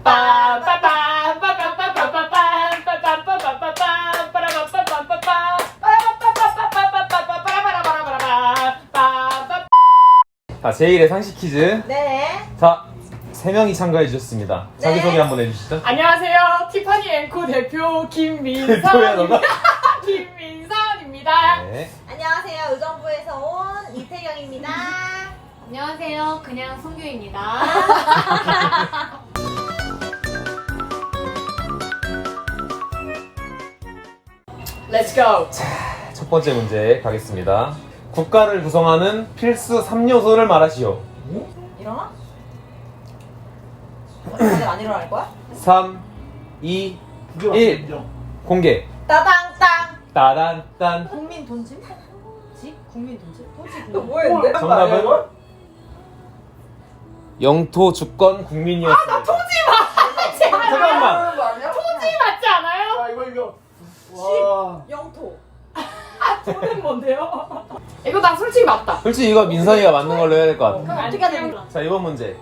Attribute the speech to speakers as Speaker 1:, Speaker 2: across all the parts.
Speaker 1: 자, 제1의 상식 퀴즈.
Speaker 2: 네.
Speaker 1: 자, 3명이 참가해 주셨습니다. 자기소개 한번 해주시죠.
Speaker 3: 안녕하세요. 티파니 앵코 대표
Speaker 1: 대표야, 너가?
Speaker 3: 김민선입니다.
Speaker 1: 네.
Speaker 2: 안녕하세요. 의정부에서 온 이태경입니다.
Speaker 4: 안녕하세요. 그냥 송규입니다.
Speaker 3: Let's go.
Speaker 1: 첫 번째 문제 가겠습니다. 국가를 구성하는 필수 3요소를 말하시오.
Speaker 2: 일어나? 다들 안 일어날 거야?
Speaker 1: 3, 2, 1. 공개.
Speaker 2: 따당땅.
Speaker 1: 따단딴.
Speaker 2: 국민 돈집? 집? 국민 돈집? 돈집 뭐 했는데?
Speaker 1: 정답은 영토 주권 국민이었습니다. 잠깐만.
Speaker 3: 토지 맞지 않아요?
Speaker 2: 영토.
Speaker 3: 저는 뭔데요? 이거 나 솔직히 맞다.
Speaker 1: 솔직히 이거 민선이가 맞는 걸로 해야 될 것 같아.
Speaker 2: 그럼 어떻게 해야 되는
Speaker 1: 자, 이번 문제.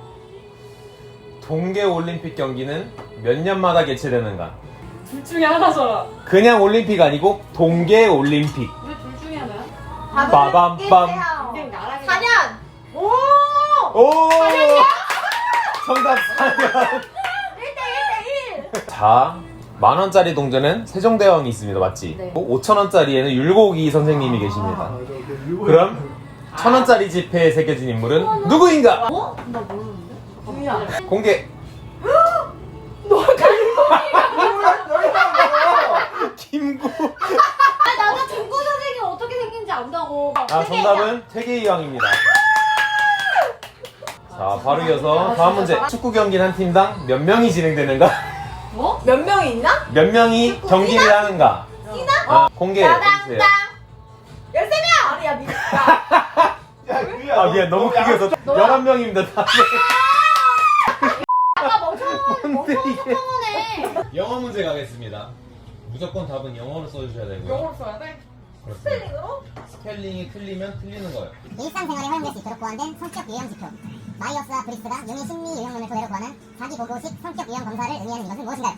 Speaker 1: 동계올림픽 경기는 몇 년마다 개최되는가?
Speaker 3: 둘 중에 하나잖아.
Speaker 1: 그냥 올림픽 아니고 동계올림픽.
Speaker 4: 왜 둘 중에 하나야?
Speaker 1: 빠밤빰.
Speaker 4: 그냥 나랑
Speaker 2: 4년. 오!
Speaker 1: 오! 정답 4년.
Speaker 2: 1대1대1.
Speaker 1: 자, 10,000원짜리 동전은 세종대왕이 있습니다. 맞지?
Speaker 4: 네.
Speaker 1: 5,000원짜리에는 율곡이 선생님이 계십니다. 그럼 1,000원짜리 지폐에 새겨진 인물은 누구인가?
Speaker 4: 어? 나 모르는데?
Speaker 2: 누구야?
Speaker 1: 공개. 김구.
Speaker 4: 아, 나는 김구 선생님 어떻게 생긴지 안다고.
Speaker 1: 아, 정답은 퇴계이왕입니다. 자, 바로 이어서 다음 문제. 축구 경기는 한 팀당 몇 명이 진행되는가?
Speaker 4: 뭐?
Speaker 2: 몇 명이 있나?
Speaker 1: 몇 명이 경기를 하는가?
Speaker 2: 뛰나?
Speaker 1: 공개해주세요.
Speaker 2: 따당땅. 13명! 아니, 야,
Speaker 1: 아, 미안. 너무 크게 해서 11명입니다. 다.
Speaker 4: 아까 멍청한
Speaker 1: 뭔데, 이게?
Speaker 4: 거네.
Speaker 1: 영어 문제 가겠습니다. 무조건 답은 영어로 써주셔야 되고요.
Speaker 3: 영어로 써야 돼?
Speaker 1: 그렇습니다.
Speaker 2: 스펠링으로?
Speaker 1: 스펠링이 틀리면 틀리는 거예요.
Speaker 5: 일상생활에 활용될 수 있도록 보완된 성격 유형 지표. 마이어스와 브리스가 용의 심리 유형론을 토대로 구하는 자기 보고식 성격 유형 검사를 의미하는 이것은 무엇인가요?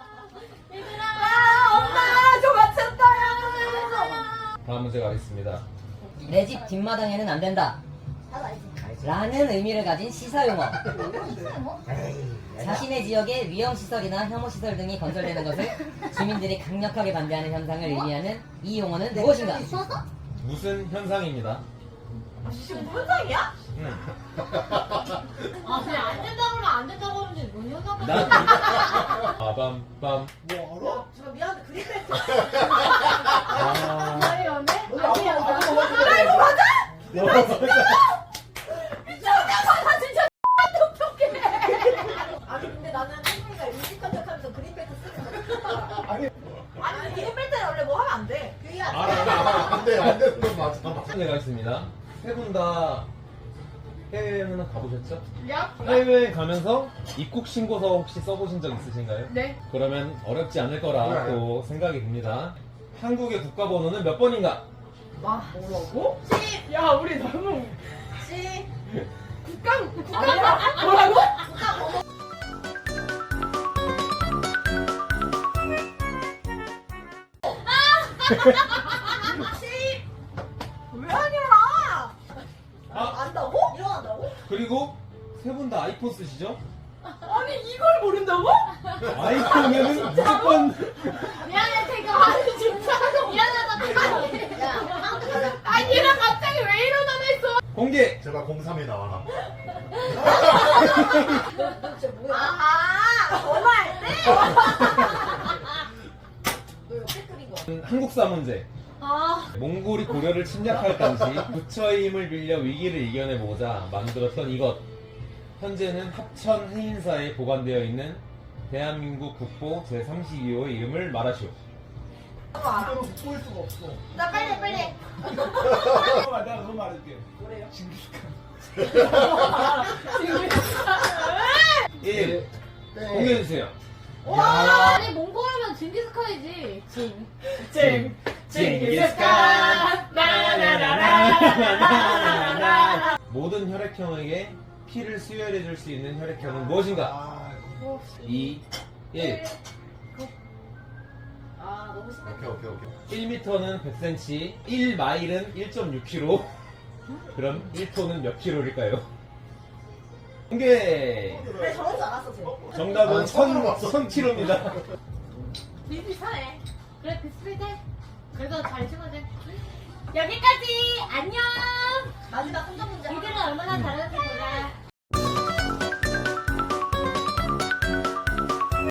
Speaker 2: 아, 엄마! 저 맞췄다!
Speaker 1: 다음 문제 가겠습니다.
Speaker 6: 내 집 뒷마당에는 안 된다 라는 의미를 가진 시사용어. 자신의 지역에 위험시설이나 혐오시설 등이 건설되는 것을 주민들이 강력하게 반대하는 현상을 의미하는 이 용어는 무엇인가?
Speaker 1: 무슨 현상입니다?
Speaker 2: 지금 무슨 상이야?
Speaker 4: 아, 그냥 안 된다고 하면 안 된다고 하는지 뭔 현상가?
Speaker 1: 나 빠밤빰.
Speaker 2: 저 미안한데 그린벨트.
Speaker 1: 아.
Speaker 4: 아니, 연애? 아니,
Speaker 2: 아, 이거 맞아? 아니 근데 나는 혜민이가 일찍한 척하면서 그린벨트 쓰는 거. 아니 그린벨트는 원래 뭐 하면 안 돼. 그게
Speaker 7: 안 되는 건 맞아.
Speaker 1: 문제 가겠습니다. 세 분 다 해외여행은 가보셨죠?
Speaker 3: 야?
Speaker 1: 해외여행 가면서 입국 신고서 혹시 써보신 적 있으신가요?
Speaker 3: 네.
Speaker 1: 그러면 어렵지 않을 거라 또 생각이 듭니다. 한국의 국가번호는 몇 번인가?
Speaker 2: 와 뭐라고?
Speaker 3: 야, 우리 너무
Speaker 2: 씨.
Speaker 3: 국가 뭐라고?
Speaker 2: 씨. 왜 안 일어나?
Speaker 1: 아.
Speaker 2: 안다고? 일어난다고?
Speaker 1: 그리고 세 분 다 아이폰 쓰시죠?
Speaker 3: 아니, 이걸 모른다고?
Speaker 1: 아이폰이면 무조건
Speaker 4: 미안해, 태경. 아니, 진짜. 미안하다, 태경. 야,
Speaker 3: 아니, 얘랑 갑자기 왜 일어나냈어?
Speaker 1: 공개!
Speaker 7: 제발 03에 나와라.
Speaker 2: 너 진짜 뭐야? 아 전화할 때? 너 옆에 끓인 거.
Speaker 1: 한국사 문제.
Speaker 4: 아,
Speaker 1: 몽골이 고려를 침략할 당시 부처의 힘을 빌려 위기를 이겨내보자 만들었던 이것. 현재는 합천 해인사에 보관되어 있는 대한민국 국보 제32호의 이름을 말하시오.
Speaker 7: 이대로 볼 수가 없어.
Speaker 2: 나 빨리.
Speaker 7: 잠깐만, 내가 그거 말할게.
Speaker 2: 뭐래요?
Speaker 1: 1.
Speaker 7: 네.
Speaker 1: 공개해주세요.
Speaker 4: 아니, 몽골하면 징기스칸이지.
Speaker 3: 징기스칸 나나나나나나나.
Speaker 1: 모든 혈액형에게 피를 수혈해줄 수 있는 혈액형은 무엇인가? 2, 1.
Speaker 2: 아 너무 심해.
Speaker 7: 오케이.
Speaker 1: 1m는 100cm, 1마일은 1.6km. 그럼 1톤은 몇 킬로일까요? 공개!
Speaker 2: 내 저럴 줄 알았어 쟤.
Speaker 1: 정답은
Speaker 7: 아, 처음 봤어.
Speaker 1: 1000km입니다.
Speaker 4: 비슷하네. 그래 비슷해. 그래도 잘 찍어내. 여기까지 안녕.
Speaker 2: 마지막 3점 문제.
Speaker 4: 이들은 얼마나 잘하는지 보자.